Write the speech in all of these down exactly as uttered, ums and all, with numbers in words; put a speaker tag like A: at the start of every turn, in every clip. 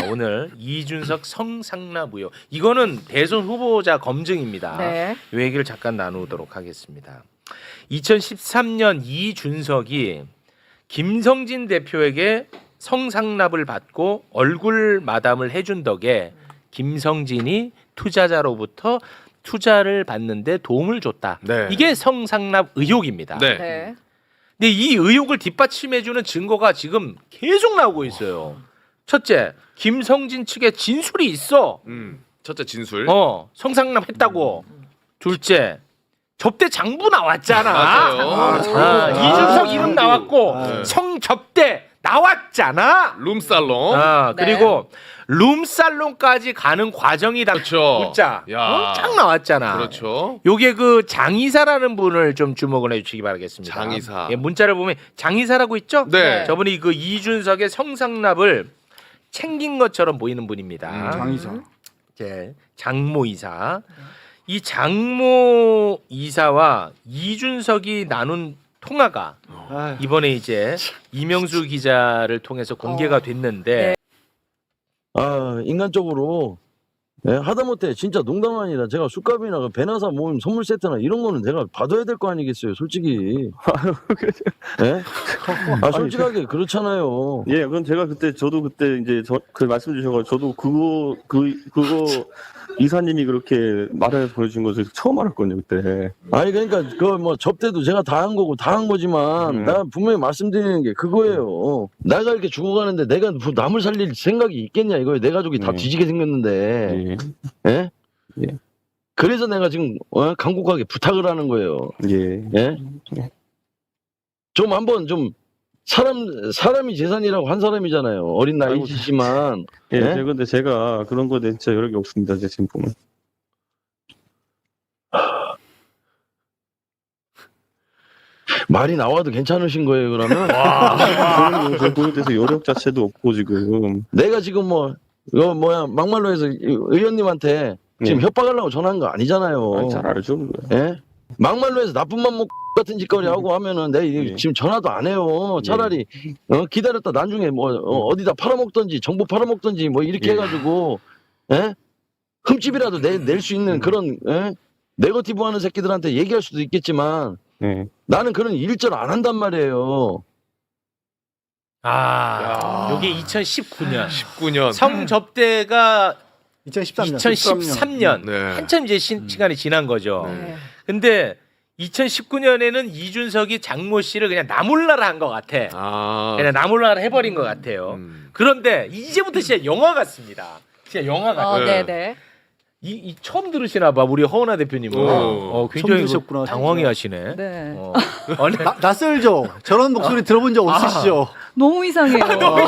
A: 오늘 이준석 성상납 의혹. 이거는 대선 후보자 검증입니다.
B: 네.
A: 이 얘기를 잠깐 나누도록 하겠습니다. 이천십삼 년 이준석이 김성진 대표에게 성상납을 받고 얼굴 마담을 해준 덕에 김성진이 투자자로부터 투자를 받는데 도움을 줬다.
C: 네.
A: 이게 성상납 의혹입니다.
C: 네.
B: 네.
A: 근데 이 의혹을 뒷받침해주는 증거가 지금 계속 나오고 있어요. 첫째, 김성진 측에 진술이 있어.
C: 음. 첫째 진술.
A: 어, 성상납 했다고. 둘째, 접대 장부 나왔잖아.
C: 맞아요.
A: 아,
C: 아,
A: 이준석
C: 아,
A: 이름 나왔고
C: 네.
A: 성접대 나왔잖아.
C: 룸살롱.
A: 아,
B: 네.
A: 그리고 룸살롱까지 가는 과정이다.
C: 그렇죠.
A: 문자
C: 야.
A: 어? 쫙 나왔잖아.
C: 그렇죠.
A: 요게 그 장이사라는 분을 좀 주목을 해주시기 바라겠습니다.
C: 장이사.
A: 예, 문자를 보면 장이사라고 있죠?
C: 네.
A: 저분이 그 이준석의 성상납을 챙긴 것처럼 보이는 분입니다.
C: 음.
D: 장이사.
A: 예, 장모 이사. 이 장모 이사와 이준석이 나눈 통화가
D: 아유.
A: 이번에 이제 이명수 기자를 통해서 공개가 됐는데
E: 아 인간적으로 예, 하다못해 진짜 농담 아니라 제가 술값이나 그 배나사 모임 선물 세트나 이런 거는 제가 받아야 될 거 아니겠어요 솔직히. 예? 아 솔직하게 그렇잖아요.
F: 예, 그건 제가 그때 저도 그때 이제 저, 그 말씀 주셔가지고 저도 그거 그 그거 이사님이 그렇게 말해서 보내준 것을 처음 알았거든요 그때.
E: 아니 그러니까 그 뭐 접대도 제가 다 한 거고 다 한 거지만
F: 음.
E: 나 분명히 말씀드리는 게 그거예요. 내가 이렇게 죽어가는데 내가 뭐 남을 살릴 생각이 있겠냐 이거예요. 내 가족이 다
F: 음.
E: 뒤지게 생겼는데.
F: 예,
E: 예?
F: 예.
E: 그래서 내가 지금 어? 간곡하게 부탁을 하는 거예요.
F: 예.
E: 예?
F: 예.
E: 좀 한번 좀 사람 사람이 재산이라고 한 사람이잖아요. 어린
F: 아이고,
E: 나이지만
F: 예,
E: 예?
F: 제가 근데 제가 그런 거에 대해 진짜 여력이 없습니다. 제 지금 보면.
E: 말이 나와도 괜찮으신 거예요. 그러면
F: 저는 제 보에 대해서 여력 자체도 없고 지금.
E: 내가 지금 뭐 이거 뭐야 막말로 해서 의원님한테 지금
F: 예.
E: 협박하려고 전화한 거 아니잖아요.
F: 아, 잘 알죠. 그거.
E: 예? 막말로 해서 나쁜 맘 먹고 같은 짓거리 하고 하면은 내가 이게
F: 예.
E: 지금 전화도 안 해요. 차라리 어, 기다렸다 나중에 뭐 어, 디다 팔아먹던지 정보 팔아먹던지 뭐 이렇게
F: 예.
E: 해가지고 예? 흠집이라도 내 낼 수 있는 그런 예? 네거티브 하는 새끼들한테 얘기할 수도 있겠지만
F: 예.
E: 나는 그런 일절 안 한단 말이에요.
A: 아,
C: 야.
A: 요게 이천십구 년
C: 십구 년.
A: 성접대가
D: 이천십삼 년.
A: 이천십삼 년
C: 네.
A: 한참 이제 시, 시간이 지난 거죠.
B: 네.
A: 근데 이천십구 년에는 이준석이 장모 씨를 그냥 나몰라라 한 것 같아.
C: 아.
A: 그냥 나몰라라 해버린 것 같아요.
C: 음.
A: 그런데 이제부터 진짜 영화 같습니다. 진짜 영화 같아.
B: 어,
C: 네.
B: 네, 네.
A: 이, 이 처음 들으시나 봐 우리 허은하 대표님은.
C: 오.
A: 어, 굉장히
D: 처음 들으셨구나,
A: 당황해
D: 진짜.
A: 하시네.
B: 네.
A: 어. 아니,
D: 나, 낯설죠? 저런 목소리 들어본 적 없으시죠?
B: 너무 이상해요.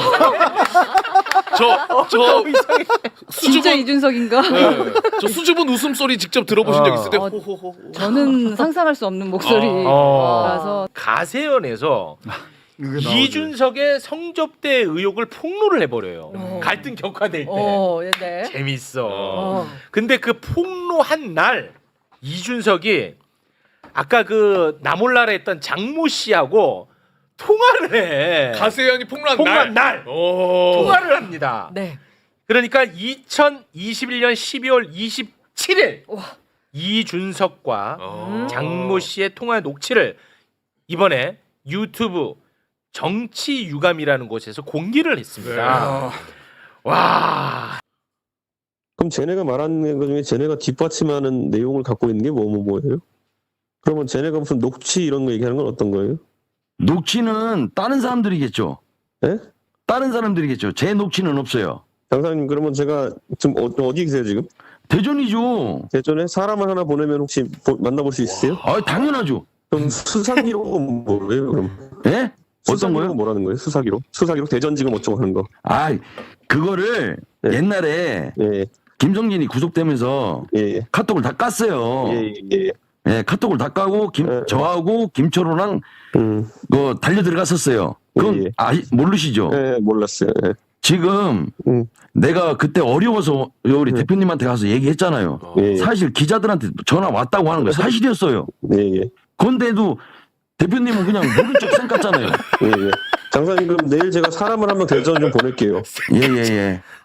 C: 저, 저,
B: 진짜
C: 수줍은,
B: 이준석인가?
C: 네. 저 수줍은 웃음소리 직접 들어보신 적 있을 때,
B: 어.
C: 호호호.
B: 저는 상상할 수 없는 목소리라서
A: 어. 가세연에서
D: 이게 나오죠.
A: 이준석의 성접대 의혹을 폭로를 해버려요.
B: 어.
A: 갈등 격화될 때.
B: 어, 네.
A: 재밌어.
B: 어.
A: 근데 그 폭로한 날 이준석이 아까 그 나몰라라 했던 장모 씨하고 통화를 해.
C: 가세현이 폭로한
A: 폭로한 날.
C: 날. 오.
A: 통화를 합니다.
B: 네.
A: 그러니까 이천이십일 년 십이월 이십칠일
B: 와.
A: 이준석과
C: 어.
A: 장모 씨의 통화 녹취를 이번에 유튜브 정치 유감이라는 곳에서 공개를 했습니다. 와.
F: 그럼 쟤네가 말하는 것 중에 쟤네가 뒷받침하는 내용을 갖고 있는 게 뭐 뭐 뭐예요? 그러면 쟤네가 무슨 녹취 이런 거 얘기하는 건 어떤 거예요?
E: 녹취는 다른 사람들이겠죠.
F: 예?
E: 다른 사람들이겠죠. 제 녹취는 없어요.
F: 장사님 그러면 제가 지금 어, 어디 계세요 지금?
E: 대전이죠.
F: 대전에 사람을 하나 보내면 혹시 보- 만나볼 수 있으세요?
E: 아 당연하죠.
F: 그럼 수사기록은 뭐예요 그럼?
E: 예? 어떤
F: 수사기록은
E: 거요?
F: 뭐라는 거예요? 수사기록? 수사기록 대전지검 어쩌고 하는 거.
E: 아 그거를
F: 네.
E: 옛날에
F: 예,
E: 김성진이 구속되면서
F: 예, 예.
E: 카톡을 다 깠어요.
F: 예, 예, 예.
E: 예, 카톡을 다 까고 김,
F: 예, 예.
E: 저하고 김초로랑
F: 음,
E: 그 달려 들어갔었어요. 그럼
F: 예, 예.
E: 아 모르시죠?
F: 예, 몰랐어요. 예.
E: 지금
F: 음.
E: 내가 그때 어려워서 우리
F: 음.
E: 대표님한테 가서 얘기했잖아요.
F: 예, 예.
E: 사실 기자들한테 전화 왔다고 하는 거 사실이었어요.
F: 예, 예.
E: 그런데도 대표님은 그냥 모른 척 생각잖아요.
F: 예, 예. 장사님 그럼 내일 제가 사람을 한명 대전 좀 보낼게요.
E: 예예예.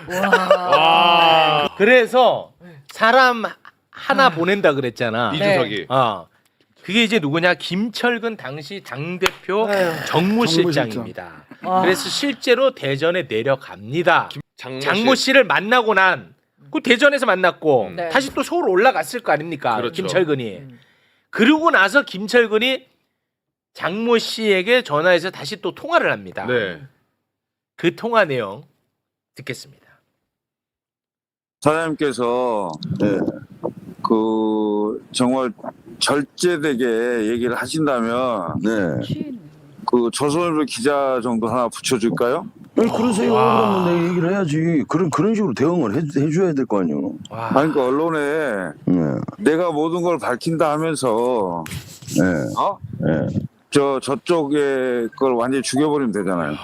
C: 와.
A: 그래서 사람 하나 보낸다 그랬잖아.
C: 이준석이.
A: 어. 그게 이제 누구냐? 김철근 당시 당대표
D: 정무실장.
A: 정무 실장입니다.
B: 와.
A: 그래서 실제로 대전에 내려갑니다.
C: 장모,
A: 장모 씨를 만나고 난 그 대전에서 만났고
C: 음.
B: 네.
A: 다시 또 서울 올라갔을 거 아닙니까?
C: 그렇죠.
A: 김철근이.
B: 음.
A: 그러고 나서 김철근이 장모 씨에게 전화해서 다시 또 통화를 합니다.
C: 네.
A: 그 통화 내용 듣겠습니다.
G: 사장님께서
E: 네.
G: 그 정말 절제되게 얘기를 하신다면
E: 네.
B: 취했네.
G: 그 조선일보 기자 정도 하나 붙여줄까요?
E: 아니, 그러세요.
A: 와.
E: 그러면 내 얘기를 해야지. 그런 그런 식으로 대응을 해, 해줘야 될 거 아니요.
A: 와.
G: 아니 그 언론에
E: 네.
G: 내가 모든 걸 밝힌다 하면서
E: 네.
G: 어?
E: 네.
G: 저 저쪽에 걸 완전히 죽여버리면 되잖아요.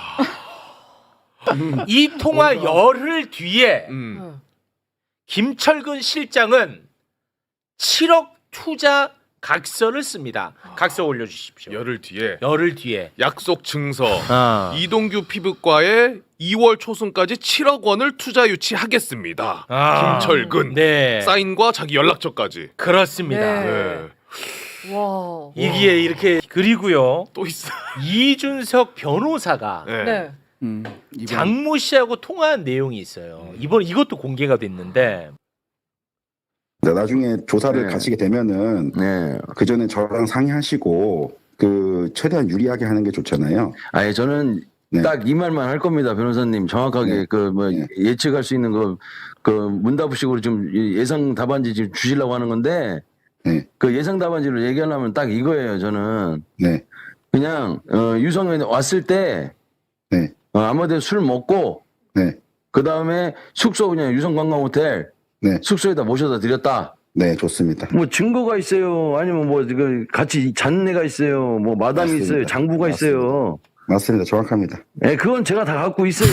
A: 이 통화 열흘 뒤에
C: 음.
A: 김철근 실장은 칠억 투자 각서를 씁니다. 각서 올려주십시오.
C: 열흘 뒤에
A: 열흘 뒤에.
C: 약속 증서.
A: 아.
C: 이동규 피부과에 이월 초순까지 칠억 원을 투자 유치하겠습니다.
A: 아.
C: 김철근.
A: 네.
C: 사인과 자기 연락처까지.
A: 그렇습니다.
B: 네.
C: 네.
B: 와.
A: 이게 이렇게 그리고요.
C: 또 있어.
A: 이준석 변호사가
C: 네.
B: 네.
D: 음, 이번-
A: 장모 씨하고 통화한 내용이 있어요. 이번 이것도 공개가 됐는데
H: 네, 나중에 조사를
E: 네.
H: 가시게 되면은
E: 네.
H: 그 전에 저랑 상의하시고 그 최대한 유리하게 하는 게 좋잖아요.
E: 아니 저는
H: 네.
E: 딱 이 말만 할 겁니다, 변호사님. 정확하게
H: 네.
E: 그 뭐
H: 네.
E: 예측할 수 있는 거 그 문답식으로 좀 예상 답안지 지금 주시려고 하는 건데
H: 네,
E: 그 예상 답안지로 얘기하려면 딱 이거예요. 저는
H: 네,
E: 그냥 어, 유성현이 왔을 때
H: 네,
E: 어, 아무데나 술 먹고
H: 네,
E: 그 다음에 숙소 그냥 유성관광호텔
H: 네,
E: 숙소에다 모셔다 드렸다.
H: 네, 좋습니다.
E: 뭐 증거가 있어요. 아니면 뭐 이거 같이 잔내가 있어요. 뭐 마담이
H: 맞습니다.
E: 있어요. 장부가
H: 맞습니다.
E: 있어요.
H: 맞습니다. 정확합니다.
E: 예, 그건 제가 다 갖고 있어요.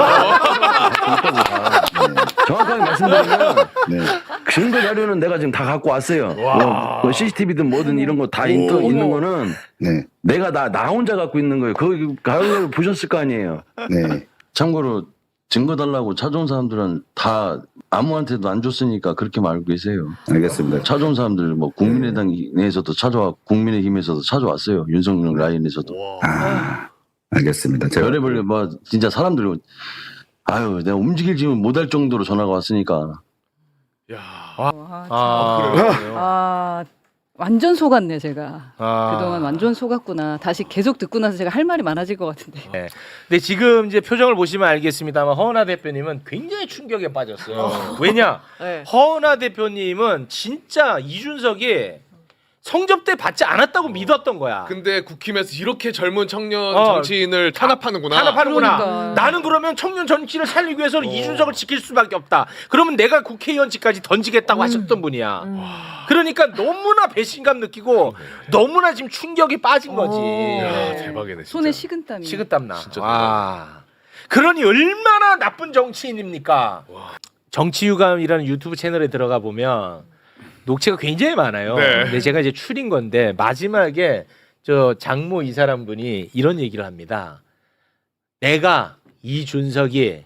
E: 정확하게 말씀드리면
H: 네,
E: 증거 자료는 내가 지금 다 갖고 왔어요. 뭐, 뭐 씨씨티비든 뭐든 이런 거 다 있는 거는
H: 네,
E: 내가 나, 나 혼자 갖고 있는 거예요. 그거 가을에 보셨을 거 아니에요.
H: 네,
E: 참고로 증거 달라고 찾아온 사람들은 다 아무한테도 안 줬으니까 그렇게 말고 계세요.
H: 알겠습니다.
E: 찾아온 사람들 뭐 국민의당 내에서도 찾아와 국민의힘에서도 찾아왔어요. 윤석열 라인에서도.
H: 아, 알겠습니다. 제가
E: 별의별 뭐 진짜 사람들이 아유 내가 움직이지 못할 정도로 전화가 왔으니까.
C: 야.
B: 와,
A: 아, 그래요?
B: 아, 완전 속았네 제가.
A: 아.
B: 그동안 완전 속았구나. 다시 계속 듣고 나서 제가 할 말이 많아질 것 같은데.
A: 네. 근데 지금 이제 표정을 보시면 알겠습니다만 허은하 대표님은 굉장히 충격에 빠졌어요. 왜냐?
B: 네.
A: 허은하 대표님은 진짜 이준석이 성접대 받지 않았다고 믿었던 거야.
C: 근데 국힘에서 이렇게 젊은 청년
A: 어.
C: 정치인을 탄압하는구나.
A: 탄압하는구나.
B: 그러니까.
A: 나는 그러면 청년 정치를 살리기 위해서는 이준석을 지킬 수밖에 없다. 그러면 내가 국회의원직까지 던지겠다고 하셨던 분이야. 그러니까 너무나 배신감 느끼고 너무나 지금 충격이 빠진 거지.
B: 오.
C: 야, 대박이네. 진짜.
B: 손에 식은땀이.
A: 식은땀 나.
C: 진짜
A: 와. 그러니 얼마나 나쁜 정치인입니까? 정치유감이라는 유튜브 채널에 들어가 보면 녹취가 굉장히 많아요.
C: 네.
A: 근데 제가 이제 추린 건데 마지막에 저 장모 이 사람 분이 이런 얘기를 합니다. 내가 이준석이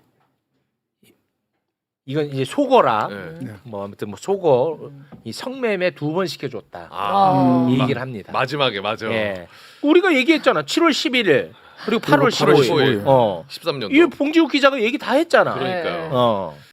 A: 이건 이제 속어라.
C: 네.
A: 뭐 아무튼 뭐 속어 이 성매매 두 번 시켜줬다.
C: 아.
A: 이 얘기를 합니다.
C: 마지막에 맞아.
A: 예. 우리가 얘기했잖아. 칠월 십일일 그리고 팔월
C: 팔월
A: 십오일.
C: 십오일.
A: 어.
C: 십삼 년도.
A: 이 봉지욱 기자가 얘기 다 했잖아.
C: 그러니까요.
A: 어.